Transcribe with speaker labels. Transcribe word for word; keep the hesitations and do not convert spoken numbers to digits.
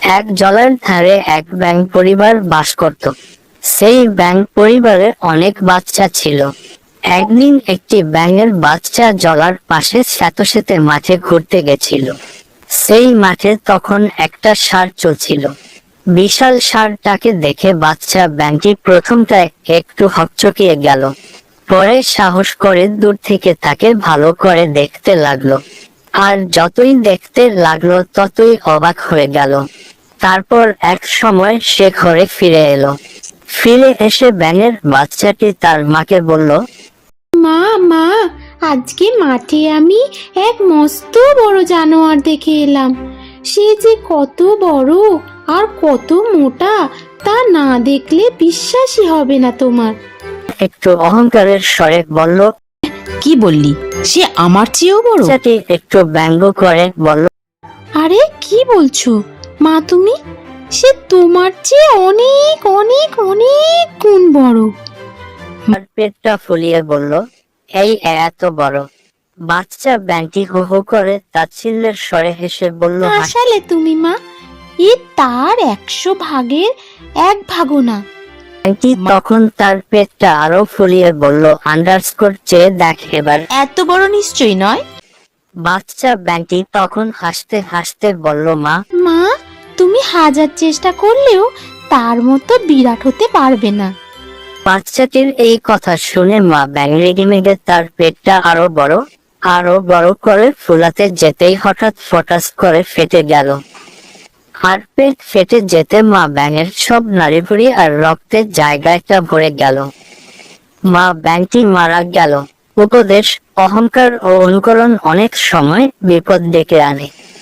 Speaker 1: এক জলার ধারে এক ব্যাঙ পরিবার বাস করত। সেই ব্যাঙ পরিবারে অনেক বাচ্চা ছিল। একদিন একটি ব্যাঙের বাচ্চা জলার পাশে স্যাঁতসেঁতে মাঠে ঘুরতে গেছিল। সেই মাঠে তখন একটা ষাঁড় চলছিল। বিশাল ষাঁড়টাকে দেখে বাচ্চা ব্যাঙটি প্রথমটায় একটু হকচকিয়ে গেল, পরে সাহস করে দূর থেকে তাকে ভালো করে দেখতে লাগলো। আর যতই দেখতে লাগলো ততই অবাক হয়ে গেল। তারপর এক সময় সে ঘরে ফিরে এলো। ফিরে এসে ব্যাঙের বাচ্চাটি তার মাকে বলল,
Speaker 2: মা মা আজকে মাঠে আমি এক মস্ত বড় জানোয়ার দেখে এলাম। সে যে কত বড় আর কত মোটা তা না দেখলে বিশ্বাসই হবে না তোমার।
Speaker 1: একটু অহংকারের স্বরে বলল।
Speaker 3: কি বললি? সে আমার চেয়েও বড়?
Speaker 1: বাচ্চাটি একটু ব্যঙ্গ করে বলল,
Speaker 2: আরে কি বলছো মা তুমি? সে তোমার চেয়ে অনেক অনেক অনেক গুণ বড়।
Speaker 1: আর পেটটা ফুলিয়ে বলল, এই এত বড়? বাচ্চা ব্যাঙটি হো হো করে তাচ্ছিল্যের স্বরে হেসে বলল,
Speaker 2: হাসালে তুমি মা, এ তার একশো ভাগের এক ভাগও না।
Speaker 1: ব্যাঙটি তখন তার পেটটা আরো ফুলিয়ে বলল, আন্ডারস্কোর চেয়ে দেখ এবার।
Speaker 3: এত বড় নিশ্চয়ই নয়।
Speaker 1: বাচ্চা ব্যাঙটি তখন হাসতে হাসতে বলল, মা
Speaker 2: মা তুমি হাজার চেষ্টা করলেও তার মতো বিরাট হতে পারবে না।
Speaker 1: বাচ্চাটির এই কথা শুনে মা ব্যাঙ রেগে মেগে তার পেটটা আরো বড় আরো বড় করে ফুলাতে যেতেই হঠাৎ ফটাস করে ফেটে গেল। আর পেট ফেটে যেতে মা ব্যাঙের সব নাড়িভুড়ি আর রক্তের জায়গাটা ভরে গেল। মা ব্যাঙটি মারা গেল। উপদেশ: অহংকার ও অনুকরণ অনেক সময় বিপদ ডেকে আনে।